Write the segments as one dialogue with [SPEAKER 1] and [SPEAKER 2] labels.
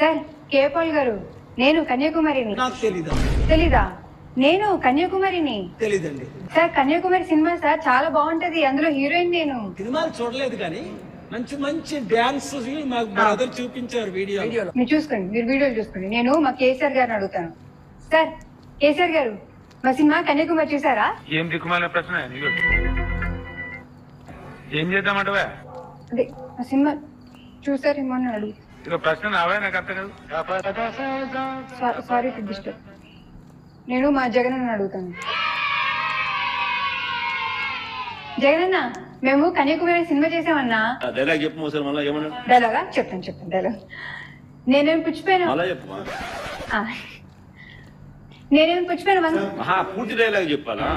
[SPEAKER 1] Sir కేపాల్ గారు, నేను కన్యాకుమారిని.
[SPEAKER 2] నాకు తెలీదా?
[SPEAKER 1] తెలీదా? నేను కన్యాకుమారిని.
[SPEAKER 2] తెలీదండి.
[SPEAKER 1] సార్ కన్యాకుమారి సినిమా సార్ చాలా బాగుంటది, అందులో హీరోయిన్ నేను.
[SPEAKER 2] సినిమాలు చూడలేదు కానీ మంచి మంచి డాన్స్ మాకు బ్రదర్ చూపించారు వీడియోలో.
[SPEAKER 1] మీరు చూసుకోండి, మీరు వీడియోలు చూసుకోండి. నేను మా కేసీఆర్ గారిని అడుగుతాను. సార్ కేసీఆర్ గారు, మా సినిమా కన్యాకుమారి చూసారా?
[SPEAKER 3] ఏం దిక్కుమాలిన ప్రశ్న నీకు? ఏం చేద్దామంటవా?
[SPEAKER 1] అదే మా సినిమా చూసారేమో అని అడుగు.
[SPEAKER 3] ఇక ప్రశ్న నావే, నాకు అర్థం కాదు.
[SPEAKER 1] Sorry to disturb. నేను మా జగనన్న అడుగుతాను. జగనన్న, మేము కన్యాకుమారి సినిమా చేసామన్నా.
[SPEAKER 4] డైలాగ్ చెప్పు మోసారు మళ్ళీ ఏమన్నా
[SPEAKER 1] డైలాగా చెప్తాను డైలాగ్. నేనేం పుచ్చిపోయాను,
[SPEAKER 4] మళ్ళా చెప్పు
[SPEAKER 1] నేనేం పుచ్చిపోయాను
[SPEAKER 4] పూర్తి డైలాగ్ చెప్పాలా?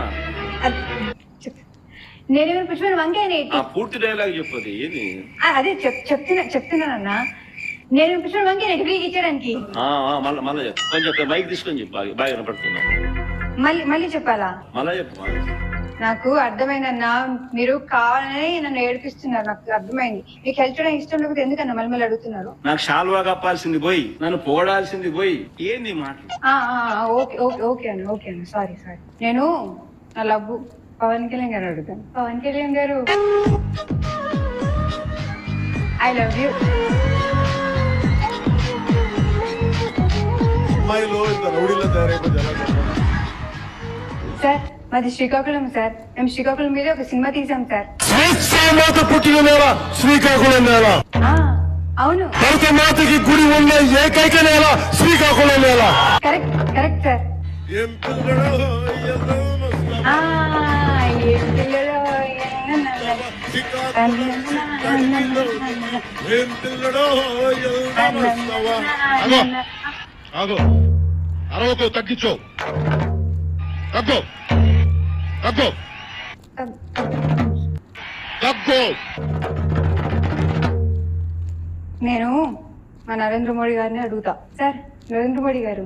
[SPEAKER 1] నేనేమైనా పుచ్చిపోయిన వంకాయ
[SPEAKER 4] పూర్తి డైలాగ్ చెప్పది ఏది?
[SPEAKER 1] అదే చెప్తున్నానన్నా. నేను పుచ్చిపోయిన వంకాయ ఫ్రీగా ఇచ్చడానికి.
[SPEAKER 4] మళ్ళా చెప్పు, కొంచెం మైక్ తీసుకొని చెప్పు, బాగా వినపడుతున్నా.
[SPEAKER 1] మళ్ళీ చెప్పాలా?
[SPEAKER 4] మళ్ళా చెప్పు.
[SPEAKER 1] నాకు అర్థమైందన్నా, మీరు కావాలని నన్ను ఏడిపిస్తున్నారు. నాకు అర్థమైంది. మీకు హెల్ప్ చేయడానికి ఇష్టం లేకపోతే ఎందుకన్నా మళ్ళీ అడుగుతున్నారు?
[SPEAKER 4] నాకు షాల్వా కప్పాల్సింది పోయి, నన్ను పోడాల్సింది పోయి, ఏంది మాటలు?
[SPEAKER 1] ఓకే అన్న సారీ. నేను నా లవ్వు పవన్ కళ్యాణ్ గారు అడుగుతాను. పవన్ కళ్యాణ్ గారు, ఐ లవ్ యూ. సార్ మాది శ్రీకాకుళం సార్. మేము శ్రీకాకుళం మీద ఒక సినిమా తీసాం సార్.
[SPEAKER 5] పుట్టిన నేల శ్రీకాకుళం నేల.
[SPEAKER 1] అవును,
[SPEAKER 5] భరత మాతకి గుడి ఉన్న ఏకైక నేల శ్రీకాకుళం నేల.
[SPEAKER 1] Correct sir.
[SPEAKER 5] ఏం పిల్లడో అరవకు, తగ్గించు, తగ్గు.
[SPEAKER 1] నేను మా నరేంద్ర మోడీ గారిని అడుగుతా. సార్ నరేంద్ర మోడీ గారు,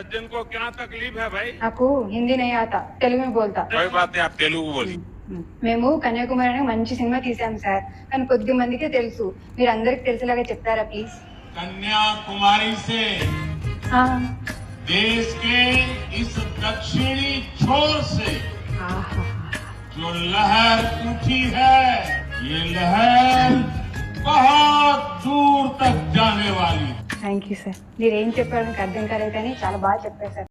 [SPEAKER 1] నాకు హిందీ నై ఆతా, తెలుగు में बोलता. మేము కన్యాకుమారి అనే మంచి సినిమా తీసాం సార్, కానీ కొద్ది మందికే తెలుసు. మీరు అందరికి తెలిసేలాగా చెప్తారా ప్లీజ్?
[SPEAKER 6] कन्याकुमारी से देश के इस दक्षिणी छोर से जो लहर उठी है, ये लहर बहुत दूर तक जाने वाली.
[SPEAKER 1] Thank you sir. మీరు ఏం చెప్పారో నాకు అర్థం కాలేదు కానీ చాలా బాగా చెప్పారు సార్.